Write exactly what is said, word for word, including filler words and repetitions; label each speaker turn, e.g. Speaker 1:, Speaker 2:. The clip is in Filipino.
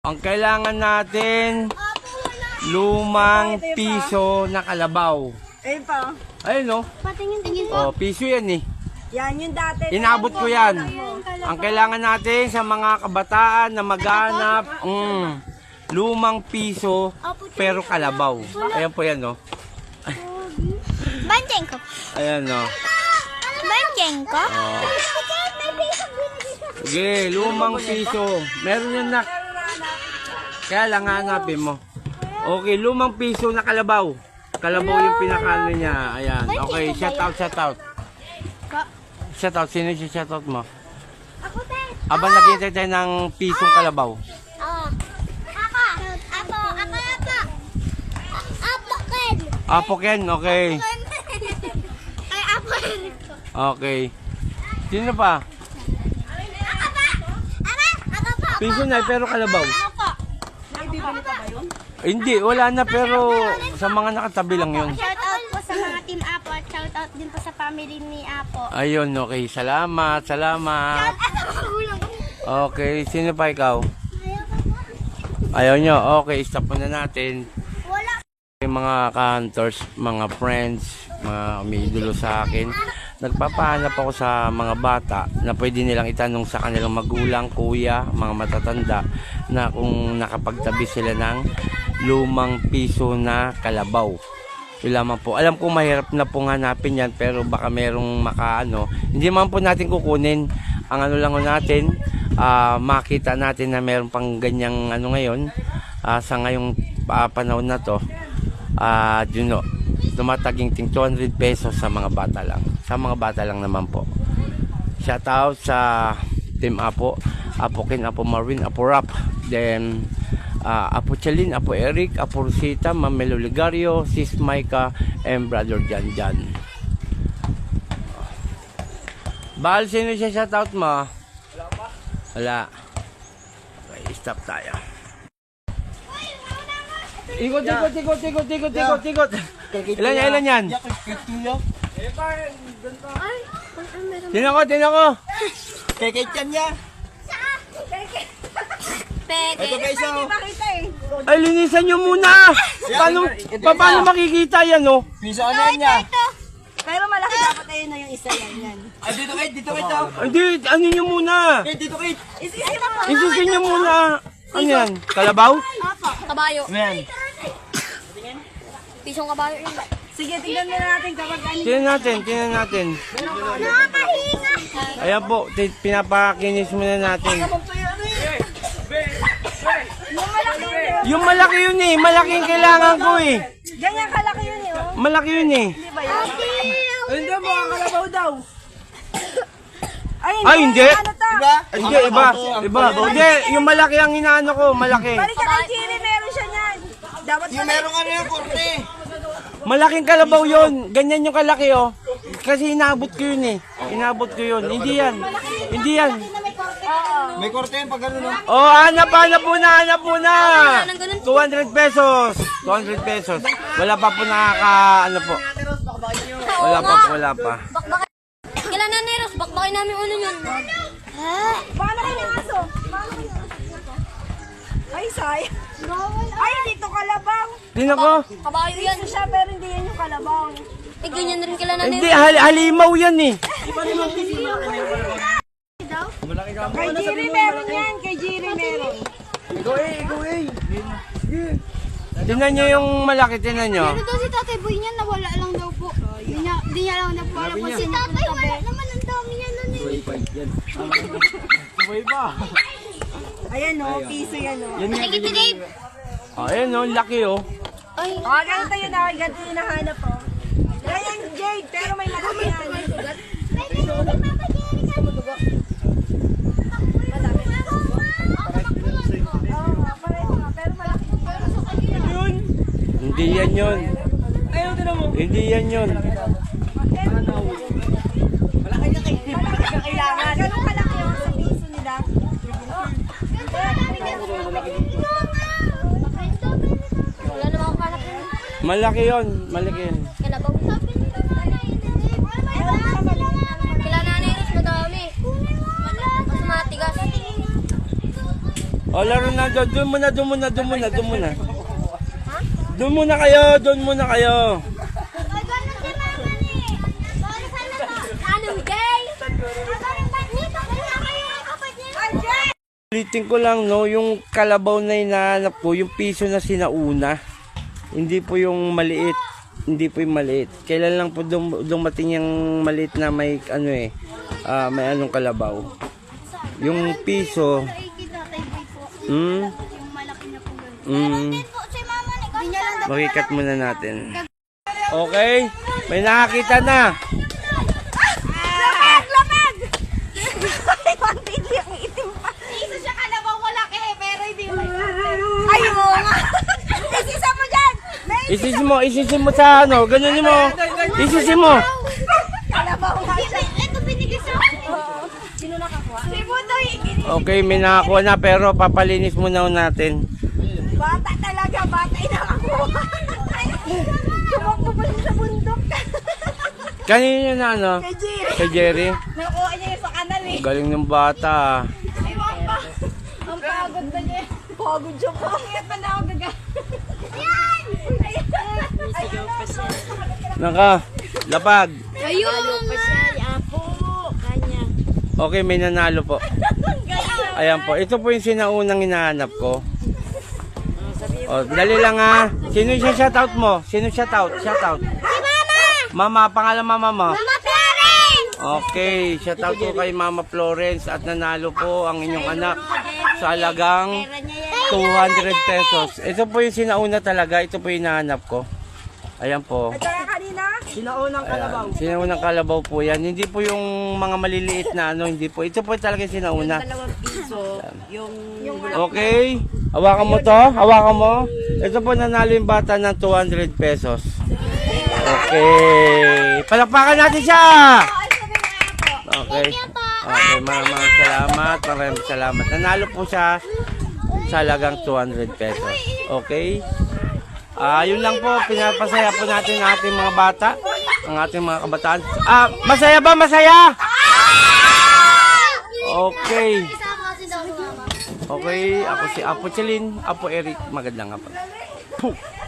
Speaker 1: Ang kailangan natin, lumang piso na kalabaw.
Speaker 2: Ayun pa.
Speaker 1: Ayun no?
Speaker 3: Patingin-tingin
Speaker 1: Oh,
Speaker 3: po.
Speaker 1: piso yan eh.
Speaker 2: Yan yung dati.
Speaker 1: Inabot ko yan. Ang kailangan natin sa mga kabataan na maghanap, mm, lumang piso pero kalabaw. Ayan po yan no?
Speaker 3: Banjeng ko.
Speaker 1: Ayan no?
Speaker 3: Banjeng ko?
Speaker 1: Oh. Sige, lumang piso. Meron yan na. Kaya lang hanapin mo. Okay, lumang piso na kalabaw. Kalabaw yung pinakaano niya. Ayan. Okay, shout out, shout out. Shout out. Sino yung shout out mo?
Speaker 3: Ako din.
Speaker 1: Aba, naghihintay tayo ng pisong kalabaw.
Speaker 3: Oo. Ako. Apo. Ako, apo. Apo, Ken.
Speaker 1: Apo Ken, okay.
Speaker 3: Ay, apo.
Speaker 1: Okay. Sino pa?
Speaker 3: Ako pa. Ama, ako pa.
Speaker 1: Piso na, pero kalabaw.
Speaker 3: Ako.
Speaker 2: May bibili pa ba yun?
Speaker 1: Eh, hindi, wala na, pero sa mga nakatabi lang yun.
Speaker 3: Shout out po sa mga team Apo at shout out din po sa family ni Apo.
Speaker 1: Ayun, okay. Salamat, salamat. Okay, sino pa ikaw? Ayaw nyo? Okay, stop muna natin.
Speaker 3: Wala.
Speaker 1: Yung mga ka-hunters, mga friends, mga umiidolo sa akin, nagpapahanap ako sa mga bata na pwede nilang itanong sa kanilang magulang, kuya, mga matatanda na kung nakapagtabi sila ng lumang piso na kalabaw. Yun lamang po. Alam ko mahirap na pong hanapin yan, pero baka merong makaano. Hindi man po natin kukunin. Ang ano lang natin, uh, makita natin na meron pang ganyang ano ngayon, uh, sa ngayong uh, panahon na to, uh, you know, tumataging ting two hundred pesos sa mga bata lang. Sa mga bata lang naman po. Shout out sa Team Apo, Apo Ken, Apo Marvin, Apo Rap, then uh, Apo Chalin, Apo Eric, Apo Rosita, Mamelo Ligario, Sis Maika, and Brother Jan Jan. Bahal, sino siya shout out mo? Wala pa. Wala. Okay, stop tayo. Ikot, ikot, ikot, ikot, ikot, ikot, ikot. Ilan yan, ilan yan? Tino ko, tino ko.
Speaker 2: Kekit yan niya.
Speaker 3: Peke.
Speaker 2: Ito guys, oh. Pakita eh.
Speaker 1: Ay, linisan nyo muna. Paano, pa, paano makikita yan, oh?
Speaker 2: Piso ano yan niya? Pero malaki dapat ayun na yung isa yan. yan. Ah, dito kayo, dito kayo.
Speaker 1: Hindi, ano nyo muna?
Speaker 2: Eh, dito kayo. Isisi mo.
Speaker 1: Isusin nyo muna. Ano yan? Kalabaw?
Speaker 3: Kabayo.
Speaker 2: Ayan.
Speaker 3: Pisong kabayo yun.
Speaker 2: Sige, tingnan mo natin kapag ano.
Speaker 1: Tingnan natin, tingnan natin.
Speaker 3: Nakakahinga.
Speaker 1: Ayan po, t- pinapakinis muna natin.
Speaker 2: Yung malaki yun eh.
Speaker 1: Yung malaki yun eh, malaki yung kailangan ko eh.
Speaker 2: Ganyan kalaki yun eh. Oh.
Speaker 1: Malaki yun eh.
Speaker 2: Hindi ba yun? Hindi mo, ang kalabaw daw. Ay, hindi.
Speaker 1: Ay, hindi.
Speaker 2: Ano to? Diba?
Speaker 1: Hindi, iba. Iba. Hindi, yung malaki ang inaano ko, malaki.
Speaker 2: Balik ka kay Chiri, meron siya niyan. Dapat yung meron ano yung kurte.
Speaker 1: Malaking kalabaw yun. Ganyan yung kalaki oh. Kasi inabot ko yun eh. Inabot ko yun. Hindi yan. Hindi yan.
Speaker 2: May kurte yung pag gano'n.
Speaker 1: Oh, hanap, hanap muna, hanap muna. two hundred pesos. two hundred pesos. Wala pa po nakaka, ano po. Wala pa po, wala pa.
Speaker 3: Bakbakay. Kailan na Neros? Bakbakay namin ulo yun.
Speaker 2: Paano kayo ng aso? Paano kayo ng aso? Ay, say. Ay, dito kalabaw.
Speaker 1: Tingnan ko.
Speaker 3: Kabayo yan.
Speaker 2: Ito siya, pero hindi yan yung kalabaw.
Speaker 3: Eh, ganyan na rin kailan na
Speaker 1: Hindi,
Speaker 3: Neros.
Speaker 1: hal halimaw yan eh.
Speaker 2: Kay Jiri meron yan. Kay Jiri meron.
Speaker 1: Tingnan nyo yung malaki, tingnan nyo.
Speaker 3: Pero daw si Tatay Boy niya, nawala lang daw po. Di niya, di niya lang na po alam kung sino ang tabi. Naman ang dami niya nun eh.
Speaker 2: Ayan o, piso yan o.
Speaker 3: Sige, Dave.
Speaker 1: Oh, ayan oh, laki oh.
Speaker 3: Ay,
Speaker 2: O, ganito yun ah. Ganito yung nahanap o. Ganyan Jade, pero may malaki yan. Oo nga, pareho nga, pero malaki.
Speaker 1: Hindi yan yun.
Speaker 2: Ayaw din mo.
Speaker 1: Hindi yan yun.
Speaker 2: Malaki na kailangan. Ganun kalaki o sa piso nila.
Speaker 3: wala naman akong kalak yun.
Speaker 1: Malaki yun, malaki yun.
Speaker 3: Kalabaw. Kailan na Neros, madami. Mas matigas.
Speaker 1: O, laro na doon. Doon muna, doon muna, doon muna, doon muna. Doon muna kayo, doon muna kayo. Ulitin ko lang, no, yung kalabaw na hinahanap ko, yung piso na sinauna. Hindi po yung maliit. Hindi po yung maliit. Kailan lang po dum dumating yung maliit na may ano eh, ah, may anong kalabaw. Yung piso, hmm, hmm, makikat muna natin. Okay, may nakakita na.
Speaker 2: Lamag! Lamag! Ay, konti ang itim pa. Isa siya kalabaw malaki, pero hindi may ay, oo nga. Isisa mo dyan!
Speaker 1: Isisi mo, isisi mo sa ano, ganun mo. Isisi mo.
Speaker 2: Kalabaw nga siya.
Speaker 3: Ito binigay sa akin.
Speaker 2: Sino nakakuha? Si Budoy.
Speaker 1: Okay, may nakakuha na pero papalinis muna natin.
Speaker 2: Bata talaga, bata yung nakakuha. Tumakbo pa siya sa bundok.
Speaker 1: Kanina na ano?
Speaker 2: Kay Jerry.
Speaker 1: Kay Jerry.
Speaker 2: Nakuha niya yung sa kanal eh.
Speaker 1: Galing ng bata. ah.
Speaker 2: Ay, mama. Ang pagod na niya. Pagod siya po. Kaya pa na ako gaga. Ayan! Ayan! Ayaw pa siya.
Speaker 1: Naka, lapag.
Speaker 3: Ayun!
Speaker 2: Apo. Kanya.
Speaker 1: Okay, may nanalo po. Ayan po, ito po yung sinaunang hinahanap ko. O, dali lang ha. Sino yung shoutout mo? Sino shoutout? Shoutout.
Speaker 3: Si Mama!
Speaker 1: Mama, pangalan mama mo?
Speaker 3: Mama Florence!
Speaker 1: Okay, shoutout po kay Mama Florence at nanalo po ang inyong anak sa halagang two hundred pesos. Ito po yung sinauna talaga, ito po yung hinahanap ko. Ayan po.
Speaker 2: At saka kanina,
Speaker 4: Sinaunang kalabaw.
Speaker 1: Ayan, sinaunang kalabaw po yan. Hindi po yung mga maliliit na ano, hindi po. Ito po talaga yung sinauna.
Speaker 4: Dalawang piso, yung...
Speaker 1: Okay, hawakan mo to, hawakan mo. Ito po nanalo yung bata ng two hundred pesos. Okay, palakpakan natin siya. Okay, okay, maraming salamat, maraming salamat. Nanalo po siya sa halagang two hundred pesos. Okay, ah, yun lang po, pinapasaya po natin ang ating mga bata, ang ating mga kabataan. Ah, masaya ba, masaya? Okay.
Speaker 3: Isama kasi daw si Mama.
Speaker 1: Okay, ako si Apo Chelin, Apo Eric, magandang hapon. Puh!